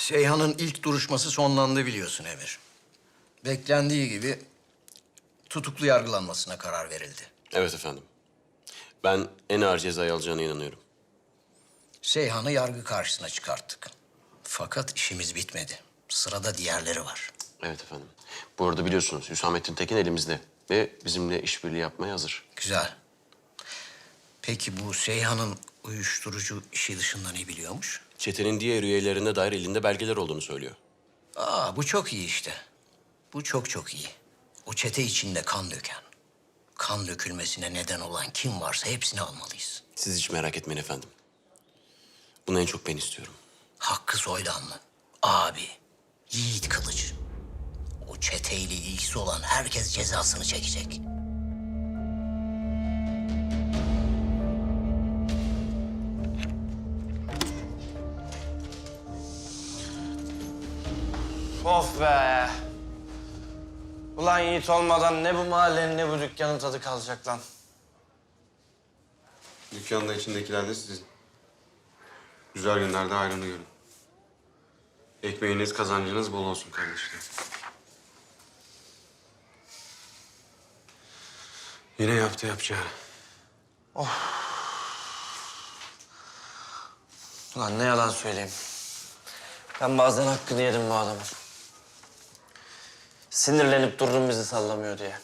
Seyhan'ın ilk duruşması sonlandı biliyorsun Emir. Beklendiği gibi tutuklu yargılanmasına karar verildi. Evet efendim. Ben en ağır cezayı alacağına inanıyorum. Seyhan'ı yargı karşısına çıkarttık. Fakat işimiz bitmedi. Sırada diğerleri var. Evet efendim. Bu arada biliyorsunuz Hüsamettin Tekin elimizde ve bizimle işbirliği yapmaya hazır. Güzel. Peki bu Seyhan'ın uyuşturucu işi dışında ne biliyormuş? Çetenin diğer üyelerine dair elinde belgeler olduğunu söylüyor. Bu çok iyi işte. Bu çok çok iyi. O çete içinde kan döken, kan dökülmesine neden olan kim varsa hepsini almalıyız. Siz hiç merak etmeyin efendim. Bunu en çok ben istiyorum. Hakkı Soydanlı, abi, Yiğit Kılıç. O çeteyle ilgisi olan herkes cezasını çekecek. Of be! Ulan Yiğit olmadan ne bu mahallenin ne bu dükkanın tadı kalacak lan. Dükkanda içindekiler de sizin. Güzel günlerde ayranı görün. Ekmeğiniz, kazancınız bol olsun kardeşler. Yine yaptı yapacağı. Ulan ne yalan söyleyeyim. Ben bazen hakkını yedim bu adamın. Sinirlenip durdum bizi sallamıyor diye.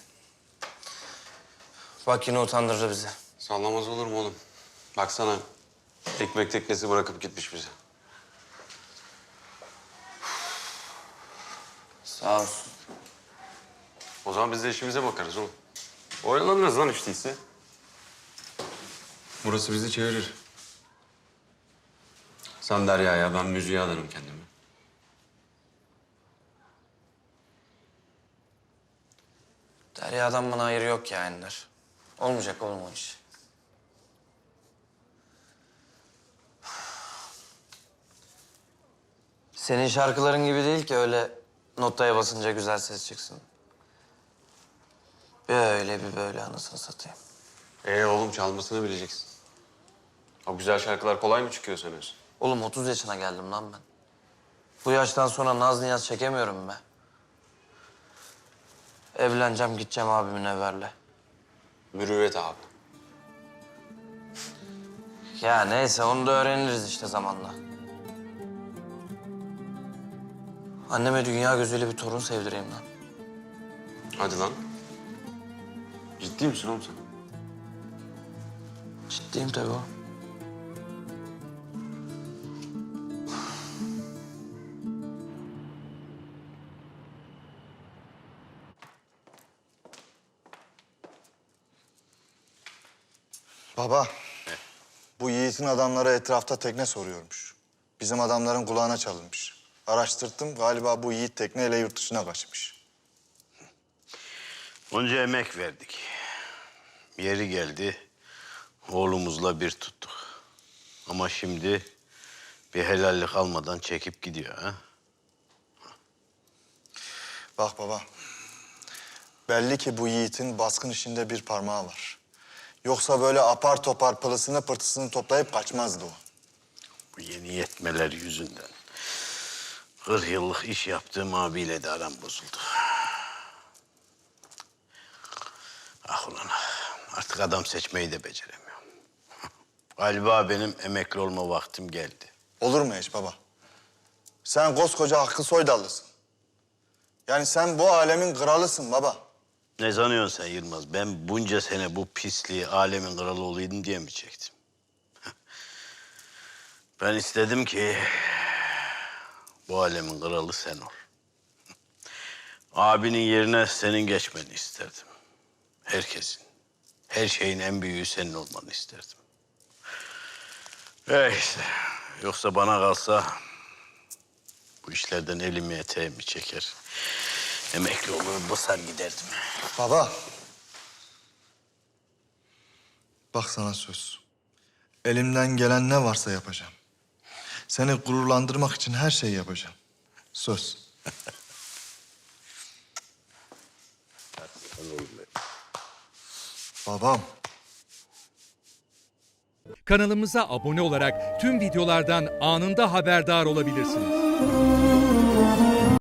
Bak yine utandırdı bizi. Sallamaz olur mu oğlum? Baksana, ekmek teknesi bırakıp gitmiş bize. Sağ olsun. O zaman biz de işimize bakarız oğlum. Oyalanırız lan hiç değilse. Burası bizi çevirir. Sen Derya'ya, ben müziğe adarım kendimi. Derya'dan bana hayır yok ya Ender. Olmayacak oğlum o iş. Senin şarkıların gibi değil ki öyle notaya basınca güzel ses çıksın. Böyle bir böyle anasını satayım. Oğlum çalmasını bileceksin. O güzel şarkılar kolay mı çıkıyor sanıyorsun? Oğlum 30 yaşına geldim lan ben. Bu yaştan sonra naz niyaz çekemiyorum be. Evleneceğim, gideceğim abimin evlerle. Mürüvvet abi. Ya neyse onu da öğreniriz işte zamanla. Anneme dünya gözüyle bir torun sevdireyim lan. Hadi lan. Ciddi misin oğlum sen? Ciddiyim tabii o. Baba, bu Yiğit'in adamları etrafta tekne soruyormuş. Bizim adamların kulağına çalınmış. Araştırdım, galiba bu Yiğit tekneyle yurt dışına kaçmış. Onca emek verdik. Yeri geldi, oğlumuzla bir tuttuk. Ama şimdi bir helallik almadan çekip gidiyor ha. Bak baba, belli ki bu Yiğit'in baskın işinde bir parmağı var. Yoksa böyle apar topar pılısını pırtısını toplayıp kaçmazdı o. Bu yeni yetmeler yüzünden 40 yıllık iş yaptığım abiyle de aram bozuldu. Ah ulan ah, artık adam seçmeyi de beceremiyorum. Galiba benim emekli olma vaktim geldi. Olur mu hiç baba? Sen koskoca Hakkı Soydallısın. Yani sen bu alemin kralısın baba. Ne sanıyorsun sen Yılmaz? Ben bunca sene bu pisliği alemin kralı olayım diye mi çektim? Ben istedim ki bu alemin kralı sen ol. Abinin yerine senin geçmeni isterdim. Herkesin, her şeyin en büyüğü senin olmanı isterdim. İşte, yoksa bana kalsa bu işlerden elimi eteğimi çeker. Emekli olur, basar giderdim. Baba. Bak sana söz. Elimden gelen ne varsa yapacağım. Seni gururlandırmak için her şeyi yapacağım. Söz. Babam. Kanalımıza abone olarak tüm videolardan anında haberdar olabilirsiniz.